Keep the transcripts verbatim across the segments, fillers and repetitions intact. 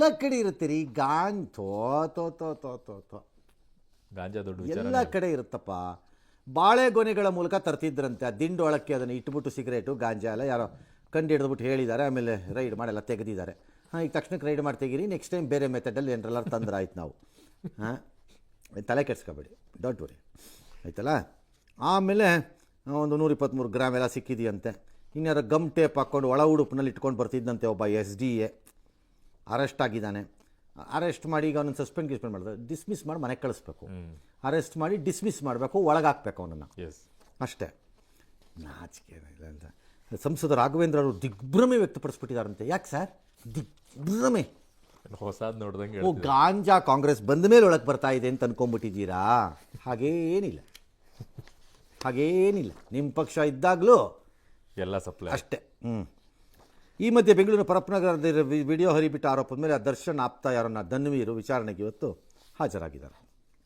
ಎಲ್ಲ ಕಡೆ ಇರುತ್ತೆ ರೀ ಗಾಂಜ್ ತೋ ತೋ ತೋ ತೋ ತೋ ತೋ ಗಾಂಜಾ ದೊಡ್ಡ ಎಲ್ಲ ಕಡೆ ಇರುತ್ತಪ್ಪ. ಬಾಳೆಗೊನೆಗಳ ಮೂಲಕ ತರ್ತಿದ್ರಂತೆ, ಆ ದಿಂಡೊಳಕ್ಕೆ ಅದನ್ನು ಇಟ್ಬಿಟ್ಟು ಸಿಗರೇಟು ಗಾಂಜಾ ಎಲ್ಲ ಯಾರೋ ಕಂಡು ಹಿಡಿದ್ಬಿಟ್ಟು ಹೇಳಿದ್ದಾರೆ, ಆಮೇಲೆ ರೈಡ್ ಮಾಡೆಲ್ಲ ತೆಗೆದಿದ್ದಾರೆ. ಹಾಂ, ಈಗ ತಕ್ಷಣಕ್ಕೆ ರೈಡ್ ಮಾಡಿ ತೆಗೀರಿ, ನೆಕ್ಸ್ಟ್ ಟೈಮ್ ಬೇರೆ ಮೆಥಡಲ್ಲಿ ಏನರೆಲ್ಲ ತಂದ್ರೆ ಆಯ್ತು ನಾವು. ಹಾಂ, ತಲೆ ಕೆಡ್ಸ್ಕೊಬೇಡಿ, ಡೋಂಟ್ ವರಿ ಆಯ್ತಲ್ಲ. ಆಮೇಲೆ ಒಂದು ನೂರ ಇಪ್ಪತ್ತ್ಮೂರು ಗ್ರಾಮ್ ಎಲ್ಲ ಸಿಕ್ಕಿದೆಯಂತೆ. ಇನ್ಯಾರೋ ಗಮ್ ಟೇಪ್ ಹಾಕ್ಕೊಂಡು ಒಳ ಉಡುಪಿನಲ್ಲಿ ಇಟ್ಕೊಂಡು ಬರ್ತಿದ್ದಂತೆ ಒಬ್ಬ ಎಸ್ ಡಿ ಎ ಅರೆಸ್ಟ್ ಆಗಿದ್ದಾನೆ. ಅರೆಸ್ಟ್ ಮಾಡಿ ಈಗ ಅವನನ್ನು ಸಸ್ಪೆಂಡ್ ಗಿಸ್ಪೆಂಡ್ ಮಾಡಿದ್ರೆ ಡಿಸ್ಮಿಸ್ ಮಾಡಿ ಮನೆಗೆ ಕಳಿಸ್ಬೇಕು. ಅರೆಸ್ಟ್ ಮಾಡಿ ಡಿಸ್ಮಿಸ್ ಮಾಡಬೇಕು, ಒಳಗಾಕಬೇಕು ಅವನನ್ನು, ಅಷ್ಟೇ. ನಾಚಿಕೆ ಇಲ್ಲ ಅಂತ ಸಂಸದ ರಾಘವೇಂದ್ರ ಅವರು ದಿಗ್ಭ್ರಮೆ ವ್ಯಕ್ತಪಡಿಸ್ಬಿಟ್ಟಿದ್ದಾರಂತೆ. ಯಾಕೆ ಸರ್ ದಿಗ್ಭ್ರಮೆ? ಹೊಸದು ನೋಡ್ದಂಗೆ. ಓ, ಗಾಂಜಾ ಕಾಂಗ್ರೆಸ್ ಬಂದ ಮೇಲೆ ಒಳಗೆ ಬರ್ತಾ ಇದೆ ಅಂತ ಅನ್ಕೊಂಡ್ಬಿಟ್ಟಿದ್ದೀರಾ? ಹಾಗೇನಿಲ್ಲ, ಹಾಗೇನಿಲ್ಲ. ನಿಮ್ಮ ಪಕ್ಷ ಇದ್ದಾಗಲೂ ಎಲ್ಲ ಸಪ್ಲೈ ಅಷ್ಟೇ. ಹ್ಞೂ. ಈ ಮಧ್ಯೆ ಬೆಂಗಳೂರಿನ ಪರಪ್ಪನಗರದ ವಿಡಿಯೋ ಹರಿಬಿಟ್ಟ ಆರೋಪದ ಮೇಲೆ ದರ್ಶನ್ ಆಪ್ತ ಯಾರನ್ನ ಧನ್ವೀರು ವಿಚಾರಣೆಗೆ ಇವತ್ತು ಹಾಜರಾಗಿದ್ದಾರೆ.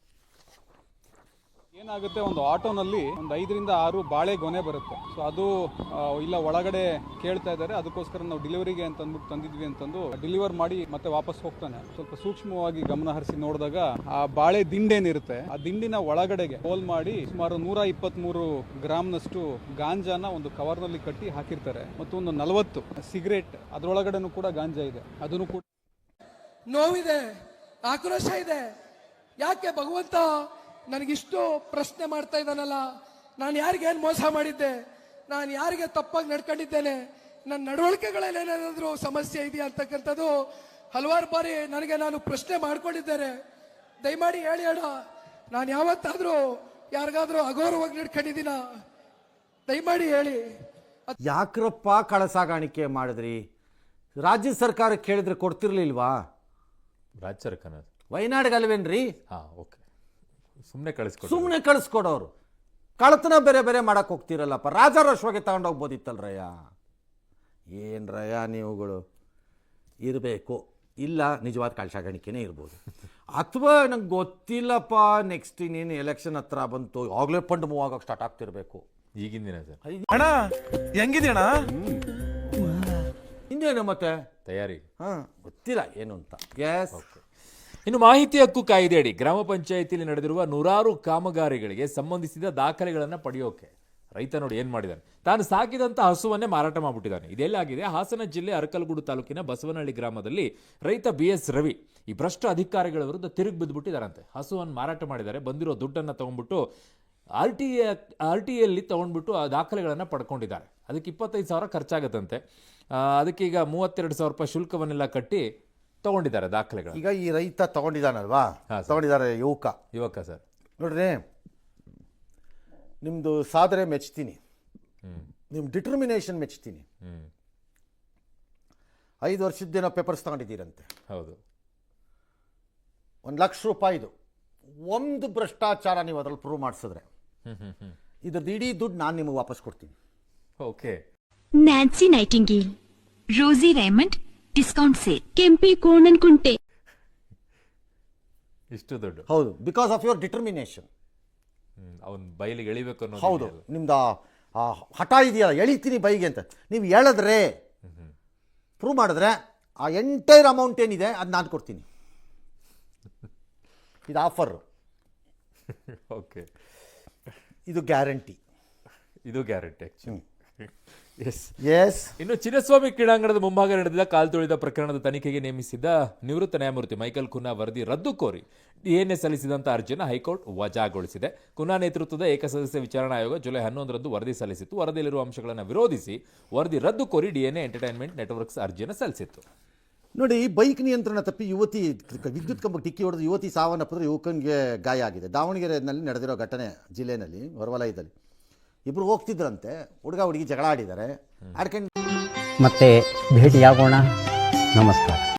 ಏನಾಗುತ್ತೆ, ಒಂದು ಆಟೋನಲ್ಲಿ ಒಂದು ಐದರಿಂದ ಆರು ಬಾಳೆ ಗೊನೆ ಬರುತ್ತೆ. ಸೊ ಅದು ಇಲ್ಲ ಒಳಗಡೆ ಕೇಳ್ತಾ ಇದ್ದಾರೆ, ಅದಕ್ಕೋಸ್ಕರ ನಾವು ಡೆಲಿವರಿಗೆ ಅಂತ ಅಂದ್ಬಿಟ್ಟು ತಂದಿದ್ವಿ ಅಂತಂದು ಡೆಲಿವರ್ ಮಾಡಿ ಮತ್ತೆ ವಾಪಸ್ ಹೋಗ್ತಾನೆ. ಸ್ವಲ್ಪ ಸೂಕ್ಷ್ಮವಾಗಿ ಗಮನ ಹರಿಸಿ ನೋಡಿದಾಗ ಆ ಬಾಳೆ ದಿಂಡೇನಿರುತ್ತೆ, ಆ ದಿಂಡಿನ ಒಳಗಡೆಗೆ ಹೋಲ್ ಮಾಡಿ ಸುಮಾರು ನೂರ ಇಪ್ಪತ್ತ್ಮೂರು ಗ್ರಾಮ್ನಷ್ಟು ಗಾಂಜಾನ ಒಂದು ಕವರ್ನಲ್ಲಿ ಕಟ್ಟಿ ಹಾಕಿರ್ತಾರೆ. ಮತ್ತು ಒಂದು ನಲವತ್ತು ಸಿಗರೇಟ್ ಅದರೊಳಗಡೆನೂ ಕೂಡ ಗಾಂಜಾ ಇದೆ. ಅದನ್ನು ಕೂಡ ನೋವಿದೆ, ಆಕ್ರೋಶ ಇದೆ. ಯಾಕೆ ಭಗವಂತ ನನಗಿಷ್ಟು ಪ್ರಶ್ನೆ ಮಾಡ್ತಾ ಇದ್ದಾನಲ್ಲ? ನಾನು ಯಾರಿಗೇನು ಮೋಸ ಮಾಡಿದ್ದೆ? ನಾನು ಯಾರಿಗೆ ತಪ್ಪಾಗಿ ನಡ್ಕೊಂಡಿದ್ದೇನೆ? ನನ್ನ ನಡವಳಿಕೆಗಳಲ್ಲಿ ಏನಾದರೂ ಸಮಸ್ಯೆ ಇದೆಯಾ ಅಂತಕ್ಕಂಥದ್ದು ಹಲವಾರು ಬಾರಿ ನನಗೆ ನಾನು ಪ್ರಶ್ನೆ ಮಾಡ್ಕೊಂಡಿದ್ದೇನೆ. ದಯಮಾಡಿ ಹೇಳಿ ಅಣ್ಣ, ನಾನು ಯಾವತ್ತಾದರೂ ಯಾರಿಗಾದ್ರೂ ಅಗೌರವವಾಗಿ ನಡ್ಕೊಂಡಿದ್ದೀನ? ದಯಮಾಡಿ ಹೇಳಿ. ಯಾಕ್ರಪ್ಪ ಕಳಸಾಗಾಣಿಕೆ ಮಾಡಿದ್ರಿ? ರಾಜ್ಯ ಸರ್ಕಾರ ಕೇಳಿದ್ರೆ ಕೊಡ್ತಿರ್ಲಿಲ್ವಾ? ರಾಜ್ಯ ಸರ್ಕಾರ ವಯನಾಡ್ಗಲ್ವೇನ್ರಿ? ಹಾಂ, ಓಕೆ. ಸುಮ್ಮನೆ ಕಳಿಸ್ಕೊಡು, ಸುಮ್ಮನೆ ಕಳಿಸ್ಕೊಡೋರು. ಕಳತನ ಬೇರೆ ಬೇರೆ ಮಾಡಕ್ಕೆ ಹೋಗ್ತಿರಲ್ಲಪ್ಪ. ರಾಜಾರೋಷವಾಗಿ ತಗೊಂಡೋಗ್ಬೋದಿತ್ತಲ್ರಯ್ಯ. ಏನು ರಯ್ಯ ನೀವುಗಳು ಇರಬೇಕು. ಇಲ್ಲ, ನಿಜವಾದ ಕಳಸಾಗಾಣಿಕೆನೇ ಇರ್ಬೋದು. ಅಥವಾ ನಂಗೆ ಗೊತ್ತಿಲ್ಲಪ್ಪ, ನೆಕ್ಸ್ಟ್ ಇನ್ನೇನು ಎಲೆಕ್ಷನ್ ಹತ್ರ ಬಂತು, ಆಗಲೇ ಫಂಡ್ ಮೂವ್ ಆಗೋಕೆ ಸ್ಟಾರ್ಟ್ ಆಗ್ತಿರ್ಬೇಕು. ಈಗಿನ ದಿನ ಸರ್. ಅಣ್ಣ ಹೆಂಗಿದೆಯಣ್ಣ? ಇನ್ನೇನು ಮತ್ತೆ ತಯಾರಿ? ಹಾಂ, ಗೊತ್ತಿಲ್ಲ ಏನು ಅಂತ. ಎಸ್. ಇನ್ನು ಮಾಹಿತಿ ಹಕ್ಕು ಕಾಯ್ದೆಯಡಿ ಗ್ರಾಮ ಪಂಚಾಯಿತಿಯಲ್ಲಿ ನಡೆದಿರುವ ನೂರಾರು ಕಾಮಗಾರಿಗಳಿಗೆ ಸಂಬಂಧಿಸಿದ ದಾಖಲೆಗಳನ್ನು ಪಡೆಯೋಕೆ ರೈತ ನೋಡಿ ಏನು ಮಾಡಿದ್ದಾನೆ. ತಾನು ಸಾಕಿದಂಥ ಹಸುವನ್ನೇ ಮಾರಾಟ ಮಾಡಿಬಿಟ್ಟಿದ್ದಾನೆ. ಇದೆಲ್ಲಾಗಿದೆ ಹಾಸನ ಜಿಲ್ಲೆ ಅರಕಲಗೂಡು ತಾಲೂಕಿನ ಬಸವನಹಳ್ಳಿ ಗ್ರಾಮದಲ್ಲಿ ರೈತ ಬಿ ಎಸ್ ರವಿ ಈ ಭ್ರಷ್ಟ ಅಧಿಕಾರಿಗಳ ವಿರುದ್ಧ ತಿರುಗಿ ಬಿದ್ದುಬಿಟ್ಟಿದ್ದಾರಂತೆ. ಹಸುವನ್ನು ಮಾರಾಟ ಮಾಡಿದ್ದಾರೆ. ಬಂದಿರೋ ದುಡ್ಡನ್ನು ತೊಗೊಂಡ್ಬಿಟ್ಟು R T A R T ಎಲ್ಲಿ ತೊಗೊಂಡ್ಬಿಟ್ಟು ಆ ದಾಖಲೆಗಳನ್ನು ಪಡ್ಕೊಂಡಿದ್ದಾರೆ. ಅದಕ್ಕೆ ಇಪ್ಪತ್ತೈದು ಸಾವಿರ ಖರ್ಚಾಗತ್ತಂತೆ. ಅದಕ್ಕೆ ಈಗ ಮೂವತ್ತೆರಡು ಸಾವಿರ ರೂಪಾಯಿ ಶುಲ್ಕವನ್ನೆಲ್ಲ ಕಟ್ಟಿ ತಗೊಂಡಿದ್ದಾರೆ ದಾಖಲೆಗಳು. ಈಗ ಈ ರೈತ ತಗೊಂಡಿದ್ದಾನಲ್ವಾ, ತಗೊಂಡಿದ್ದಾರೆ ಯುವಕ ಯುವಕ ಸರ್. ನೋಡ್ರಿ, ನಿಮ್ಮದು ಸಾಧನೆ ಮೆಚ್ತೀನಿ, ನಿಮ್ಮ ಡಿಟರ್ಮಿನೇಷನ್ ಮೆಚ್ತೀನಿ. ಐದು ವರ್ಷದ್ದೇನೋ ಪೇಪರ್ಸ್ ತಗೊಂಡಿದ್ದೀರಂತೆ. ಹೌದು. ಒಂದು ಲಕ್ಷ ರೂಪಾಯಿದು ಒಂದು ಭ್ರಷ್ಟಾಚಾರ ನೀವು ಅದ್ರಲ್ಲಿ ಪ್ರೂವ್ ಮಾಡಿಸಿದ್ರೆ ಇದ್ರದ್ದು ಇಡೀ ದುಡ್ಡು ನಾನು ನಿಮಗೆ ವಾಪಸ್ ಕೊಡ್ತೀನಿ. Okay. Nancy Nightingale, Rosie Raymond discount sale, ಕೆಂಪಿ ಕೋಣನ್ ಕುಂಟೆ. ಇಷ್ಟು ದುಡ್ಡು? ಹೌದು, ಬಿಕಾಸ್ ಆಫ್ ಯುವರ್ ಡಿಟರ್ಮಿನೇಷನ್. ಅವನ್ ಬೈಲಿಗೆ ಎಳಿಬೇಕು ಅನ್ನೋ. ಹೌದು, ನಿಮ್ದು ಆ ಹಠ ಇದೆಯಲ್ಲ, ಎಳಿತೀನಿ ಬೈಗೆ ಅಂತ ನೀವು ಹೇಳಿದ್ರೆ, ಪ್ರೂವ್ ಮಾಡಿದ್ರೆ ಆ ಎಂಟೈರ್ ಅಮೌಂಟ್ ಏನಿದೆ ಅದು ನಾನು ಕೊಡ್ತೀನಿ. ಇದು ಆಫರ್. ಓಕೆ. ಇದು ಗ್ಯಾರಂಟಿ. ಇದು ಗ್ಯಾರಂಟಿ ಆಕ್ಚುಲಿ. Yes yes. ಇನ್ನು ಚಿನ್ನಸ್ವಾಮಿ ಕ್ರೀಡಾಂಗಣದ ಮುಂಭಾಗ ನಡೆದ ಕಾಲ್ ತುಳಿದ ಪ್ರಕರಣದ ತನಿಖೆಗೆ ನೇಮಿಸಿದ್ದ ನಿವೃತ್ತ ನ್ಯಾಯಮೂರ್ತಿ ಮೈಕಲ್ ಕುನ್ನಾ ವರದಿ ರದ್ದು ಕೋರಿ ಡಿಎನ್ಎ ಸಲ್ಲಿಸಿದಂಥ ಅರ್ಜಿಯನ್ನು ಹೈಕೋರ್ಟ್ ವಜಾಗೊಳಿಸಿದೆ. ಕುನ್ನಾ ನೇತೃತ್ವದ ಏಕಸದಸ್ಯ ವಿಚಾರಣಾ ಆಯೋಗ ಜುಲೈ ಹನ್ನೊಂದರಂದು ವರದಿ ಸಲ್ಲಿಸಿತ್ತು. ವರದಿಯಲ್ಲಿರುವ ಅಂಶಗಳನ್ನು ವಿರೋಧಿಸಿ ವರದಿ ರದ್ದು ಕೋರಿ ಡಿಎನ್ಎ ಎಂಟರ್ಟೈನ್ಮೆಂಟ್ ನೆಟ್ವರ್ಕ್ಸ್ ಅರ್ಜಿಯನ್ನು ಸಲ್ಲಿಸಿತ್ತು. ನೋಡಿ, ಬೈಕ್ ನಿಯಂತ್ರಣ ತಪ್ಪಿ ಯುವತಿ ವಿದ್ಯುತ್ ಕಂಬಕ್ಕೆ ಡಿಕ್ಕಿ ಹೊಡೆದು ಯುವತಿ ಸಾವನ್ನಪ್ಪಿದ್ರೆ ಯುವಕನಿಗೆ ಗಾಯ ಆಗಿದೆ. ದಾವಣಗೆರೆಯಲ್ಲಿ ನಡೆದಿರೋ ಘಟನೆ ಜಿಲ್ಲೆಯಲ್ಲಿ ಹೊರವಲಯದಲ್ಲಿ ಇಬ್ಬರು ಹೋಗ್ತಿದ್ರಂತೆ. ಹುಡುಗ ಹುಡುಗಿ ಜಗಳ ಆಡಿದ್ದಾರೆ, ಆಡ್ಕೊಂಡು ಮತ್ತೆ ಭೇಟಿಯಾಗೋಣ. ನಮಸ್ಕಾರ.